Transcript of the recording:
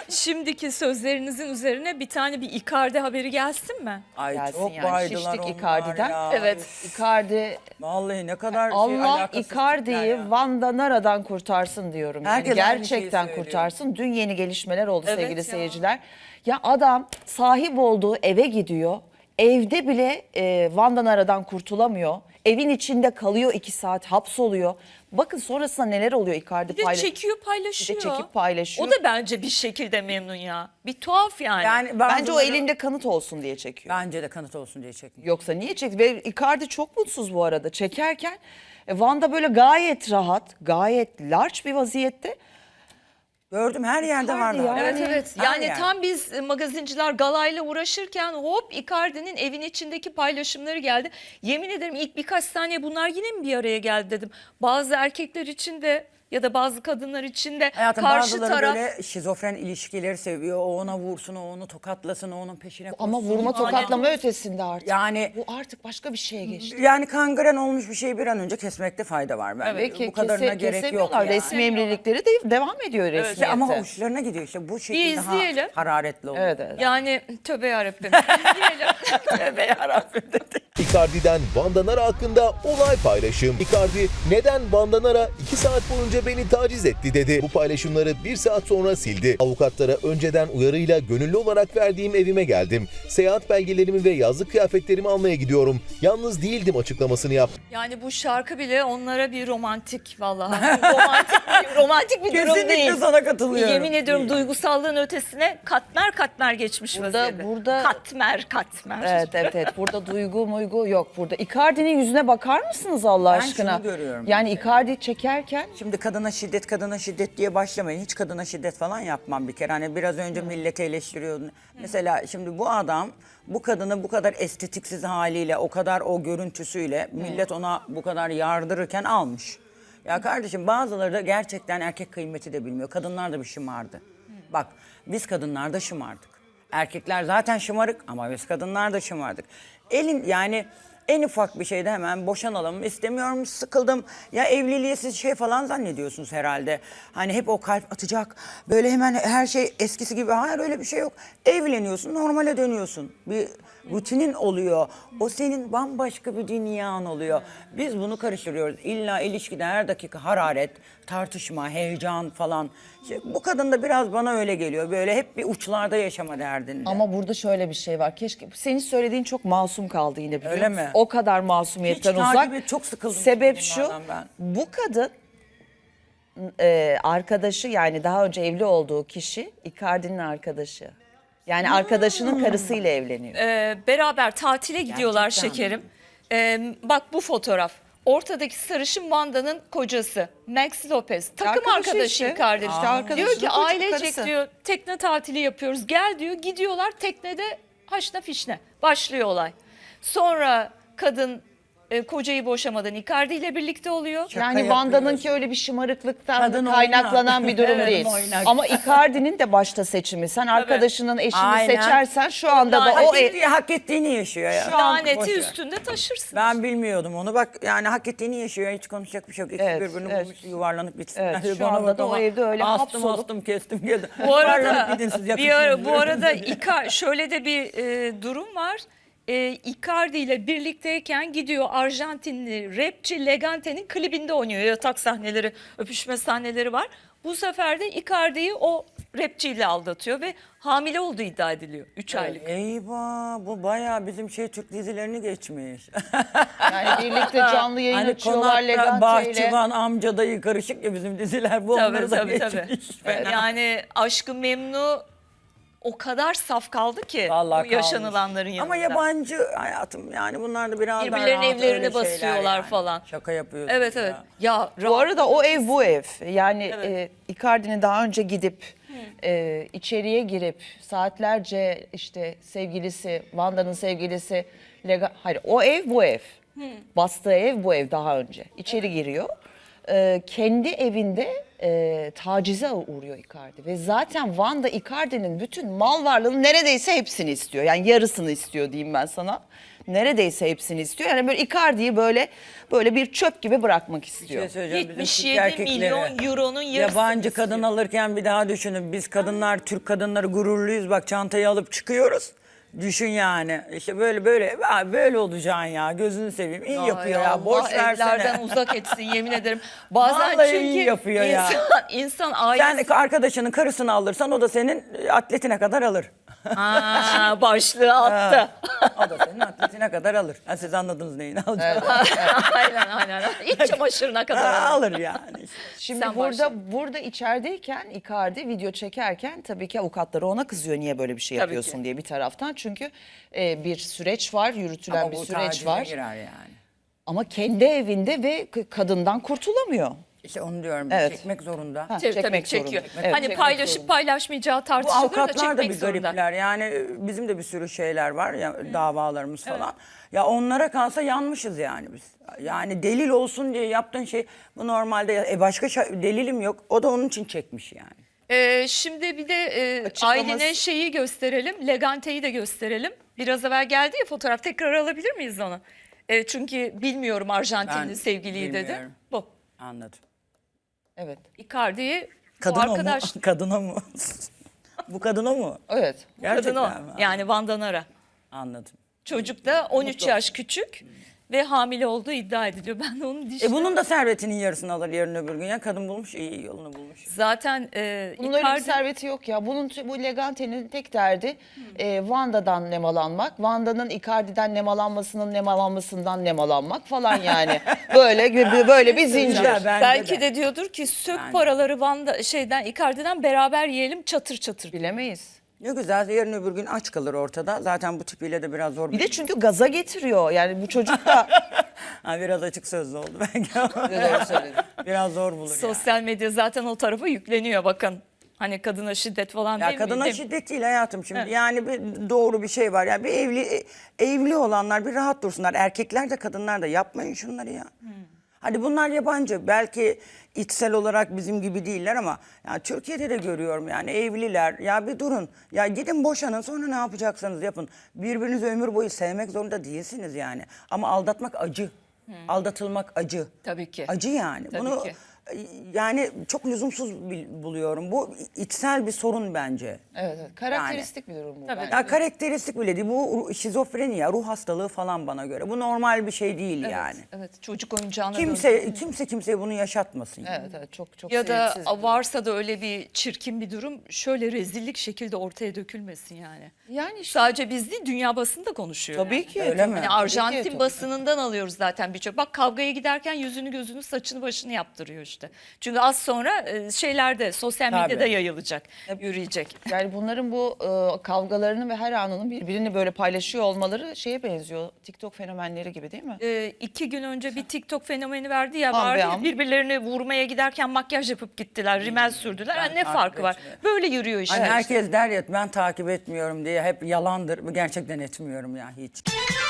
şimdiki sözlerinizin üzerine bir tane bir Icardi haberi gelsin mi? Ay Gelsin çok yani. baydılar Şiştik onlar Icardi'den. ya. Evet. Icardi, Vallahi ne kadar Allah alakasız tipler Icardi'yi ya. Van Danara'dan kurtarsın diyorum. Yani Herkes aynı şeyi gerçekten söylüyor. kurtarsın. Dün yeni gelişmeler oldu Evet sevgili ya. seyirciler. Ya adam sahip olduğu eve gidiyor. Evde bile Van Danara'dan kurtulamıyor. Evin içinde kalıyor 2 saat, hapsoluyor. Bakın sonrasında neler oluyor Icardi Bir de çekiyor paylaşıyor. Bir de çekip paylaşıyor. O da bence bir şekilde memnun ya. Bir tuhaf yani. Yani Bence o bazıları- elinde kanıt olsun diye çekiyor. Bence de kanıt olsun diye çekmiyor. Yoksa niye çekti? Ve Icardi çok mutsuz bu arada çekerken. Van'da böyle gayet rahat, gayet large bir vaziyette. Gördüm her yerde Icardi vardı. ya. Evet evet. Her Yani yerde. tam biz magazinciler galayla uğraşırken hop Icardi'nin evin içindeki paylaşımları geldi. Yemin ederim ilk birkaç saniye bunlar yine mi bir araya geldi dedim. Bazı erkekler için de ya da bazı kadınlar için de Hayatım karşı bazıları taraf böyle şizofren ilişkileri seviyor. O ona vursun, o onu tokatlasın, o onun peşine koşsun. Ama vurma tokatlama ötesinde artık. Yani Bu artık başka bir şeye geçti. yani kangren olmuş bir şeyi bir an önce kesmekte fayda var bence. Ve Bu kadarına gerek yok kesemiyorlar. yani. Resmi emrilikleri de devam ediyor resmiyette. İşte ama uçlarına gidiyor işte bu şekilde daha izleyelim. hararetli oluyor. Evet, evet. yani tövbe yarabbim. İzleyelim. Tövbe yarabbim dedi. Icardi'den Van Danara hakkında olay paylaşım. Icardi neden Van Danara 2 saat boyunca beni taciz etti dedi. Bu paylaşımları 1 saat sonra sildi. Avukatlara önceden uyarıyla gönüllü olarak verdiğim evime geldim. Seyahat belgelerimi ve yazlık kıyafetlerimi almaya gidiyorum. Yalnız değildim açıklamasını yaptı. Yani bu şarkı bile onlara bir romantik vallahi. romantik bir durum Kesinlikle değil. sana katılıyorum. Yemin ediyorum duygusallığın ötesine katmer katmer geçmiş vaziyette. burada- katmer. Evet. Burada duygu muygu yok. Burada Icardi'nin yüzüne bakar mısınız Allah Ben aşkına? şunu görüyorum. Yani Icardi çekerken Şimdi kadına şiddet diye başlamayın. Hiç kadına şiddet falan yapmam bir kere. Hani biraz önce milleti eleştiriyordun. Mesela şimdi bu adam bu kadını bu kadar estetiksiz haliyle, o kadar o görüntüsüyle millet ona bu kadar yardırırken almış. Ya kardeşim bazıları da gerçekten erkek kıymeti de bilmiyor. Kadınlar da bir şımardı. Bak biz kadınlar da şımardık. Erkekler zaten şımarık ama biz kadınlar da şımardık. Yani en ufak bir şeyde hemen boşanalım, istemiyorum, sıkıldım. Ya evliliği siz şey falan zannediyorsunuz herhalde. Hani hep o kalp atacak, böyle hemen her şey eskisi gibi. Hayır öyle bir şey yok. Evleniyorsun, normale dönüyorsun. Bir rutinin oluyor. O senin bambaşka bir dünyan oluyor. Biz bunu karıştırıyoruz. İlla ilişkide her dakika hararet, tartışma, heyecan falan. İşte bu kadın da biraz bana öyle geliyor. Böyle hep bir uçlarda yaşama derdinde. ama burada şöyle bir şey var. Keşke senin söylediğin çok masum kaldı yine biliyor Öyle musun? mi? O kadar masumiyetten Hiç uzak. takip et, çok sıkıldım Sebep çünkü şu. bunlardan ben. Bu kadın arkadaşı yani daha önce evli olduğu kişi Icardi'nin arkadaşı. Yani arkadaşının karısıyla evleniyor. Beraber tatile gidiyorlar Gerçekten. şekerim. Bak bu fotoğraf. Ortadaki sarışın Vanda'nın kocası Max Lopez. Takım Arkadaşı arkadaşı işte. Icardi. İşte arkadaşı, Diyor ki kocası, ailecek karısı. diyor tekne tatili yapıyoruz. Gel diyor gidiyorlar teknede haşna fişne. Başlıyor olay. Sonra kadın kocayı boşamadan Icardi ile birlikte oluyor. Yani yapıyoruz. Vanda'nınki öyle bir şımarıklıktan Kadın kaynaklanan oynak. bir durum Evet, değil. oynak. Ama Icardi'nin de başta seçimi. Sen arkadaşının eşini Aynen. seçersen şu anda da o hak ettiğini yaşıyor ya. Laneti Boş ver. üstünde taşırsın. Ben bilmiyordum onu. Bak yani hak ettiğini yaşıyor. Hiç konuşacak bir şey yok. İkisi Evet, birbirini evet. bulmuş yuvarlanıp bitsin. Evet, Yani şu bana anda bak da o ama evde öyle astım hapsolup- astım kestim geldim. Bu arada Yuvarlanıp gidin siz, yakışın. bu arada şöyle de bir durum var. Icardi ile birlikteyken gidiyor Arjantinli rapçi Legante'nin klibinde oynuyor. Yatak sahneleri, öpüşme sahneleri var. Bu sefer de Icardi'yi o rapçiyle aldatıyor ve hamile olduğu iddia ediliyor 3 aylık. Eyvah bu bayağı bizim Türk dizilerini geçmiş. Yani birlikte canlı yayın Hani açıyorlar konakta Legante ile. bahçıvan amca dayı karışık ya bizim diziler. Bu onları da geçmiş. Fena. Yani Aşk-ı Memnu o kadar saf kaldı ki Vallahi bu yaşanılanların yanında. Ama yabancı hayatım yani bunlar da biraz daha Birbirlerinin rahat evlerine öyle şeyler basıyorlar yani. falan. Şaka yapıyorsun Evet ya. evet. Ya Bu arada o ev bu ev. Yani Icardi'nin daha önce gidip içeriye girip saatlerce işte sevgilisi, Vanda'nın sevgilisi, hayır o ev bu ev. Bastığı ev bu ev daha önce. İçeri giriyor. Kendi evinde tacize uğruyor Icardi. Ve zaten Vanda Icardi'nin bütün mal varlığının neredeyse hepsini istiyor. Yani yarısını istiyor diyeyim ben sana. neredeyse hepsini istiyor. Yani böyle Icardi'yi böyle bir çöp gibi bırakmak Bir istiyor. şey söyleyeceğim. Bizim Türk 77 erkekleri milyon euronun yarısını yabancı istiyor. kadın alırken bir daha düşünün. Biz kadınlar, Türk kadınları gururluyuz. Bak çantayı alıp çıkıyoruz. Düşün yani. İşte böyle olacaksın ya. Gözünü seveyim. İyi yapıyor ya. Borç Evlerden versene. uzak etsin yemin ederim. Bazen Vallahi çünkü iyi yapıyor ya. insan Sen ailesi arkadaşının karısını alırsan o da senin atletine kadar alır. başlığı attı. O da senin atletine kadar alır. Ha, siz anladınız neyin alacağını. aynen. İç çamaşırına kadar. Alır yani. Şimdi Sen başla. burada içerideyken Icardi video çekerken tabii ki avukatları ona kızıyor niye böyle bir şey Tabii yapıyorsun ki. diye bir taraftan. Çünkü bir süreç var, yürütülen Ama bir bu süreç tacize var. girer yani. Ama kendi evinde ve kadından kurtulamıyor. İşte onu diyorum. Evet. Çekmek zorunda. Ha, Tabii çekmek çekiyor. zorunda. Evet, Hani çekmek paylaşıp zorunda. paylaşmayacağı Bu tartışılır da avukatlar da çekmek bir zorunda. garipler. Yani bizim de bir sürü şeyler var ya davalarımız falan. Ya onlara kalsa yanmışız yani biz. Yani delil olsun diye yaptığın şey bu normalde başka delilim yok. O da onun için çekmiş yani. Şimdi bir de Açıklaması- Aylin'e şeyi gösterelim. Legante'yi de gösterelim. Biraz evvel geldi ya fotoğraf. Tekrar alabilir miyiz onu? Çünkü bilmiyorum Arjantinli Ben sevgiliyi dedi. bilmiyorum. Bu. Anladım. Evet. Icardi'yi bu Kadın arkadaş. o mu? Kadına mı? Bu kadın o mu? Evet. Gerçekten Kadın o. mi? Yani Vandanara. Anladım. Çocuk da 13 yaş küçük ve hamile olduğu iddia ediliyor. Ben de onun dişine... Bunun da servetinin yarısını alır yarın öbür gün. Ya kadın bulmuş iyi yolunu bulmuş. Zaten Bunun öyle bir Icardi... serveti yok ya. Bu Legante'nin tek derdi Wanda'dan nemalanmak. Wanda'nın Icardi'den nemalanmasından nemalanmak falan yani. böyle bir zincir. Güzel, bence Belki de diyordur ki sök paraları Icardi'den beraber yiyelim çatır çatır. Bilemeyiz. Ne güzel yarın öbür gün aç kalır ortada. Zaten bu tipiyle de biraz zor. Bir de çünkü gaza getiriyor. Yani bu çocuk da Biraz açık sözlü oldu belki. doğru söyledi. Biraz zor bulur yani. Sosyal medya zaten o tarafa yükleniyor bakın. Hani kadına şiddet falan Ya değil mi? kadına Değil mi? şiddet değil hayatım şimdi. Evet. Yani doğru bir şey var. Yani bir evli olanlar bir rahat dursunlar. Erkekler de kadınlar da yapmayın şunları ya. Hadi bunlar yabancı. Belki içsel olarak bizim gibi değiller ama ya Türkiye'de de görüyorum yani evliler. Ya bir durun. Ya gidin boşanın sonra ne yapacaksanız yapın. Birbirinizi ömür boyu sevmek zorunda değilsiniz yani. Ama aldatmak acı. Aldatılmak acı. Tabii ki. Acı yani. Tabii Bunu ki. yani çok lüzumsuz buluyorum. Bu içsel bir sorun bence. Evet. Karakteristik bir durum bu. Tabii. bence. Ya karakteristik bile değil. Bu şizofreni ya, ruh hastalığı falan bana göre. Bu normal bir şey değil yani. Evet çocuk oyuncağına döndü. Kimse kimseye bunu yaşatmasın. Yani. Evet, çok Ya da sevimsiz bir durum. varsa da öyle bir çirkin bir durum şöyle rezillik şekilde ortaya dökülmesin yani. Yani işte Sadece biz değil dünya basını da konuşuyor. tabii yani. ki. Öyle mi? Hani Tabii Arjantin ki. basınından alıyoruz zaten birçok. Bak kavgaya giderken yüzünü gözünü saçını başını yaptırıyor işte. Çünkü az sonra şeylerde sosyal Tabii. medyada yayılacak, yürüyecek. Yani bunların bu kavgalarını ve her anının birbirini böyle paylaşıyor olmaları şeye benziyor. TikTok fenomenleri gibi değil mi? 2 gün önce bir TikTok fenomeni verdi ya An be vardı ya, an. birbirlerini vurmaya giderken makyaj yapıp gittiler, rimel sürdüler. Ben Ha, ne takip farkı var? etmiyorum. Böyle yürüyor işte. Hani herkes der ya ben takip etmiyorum diye hep yalandır. Gerçekten etmiyorum ya hiç.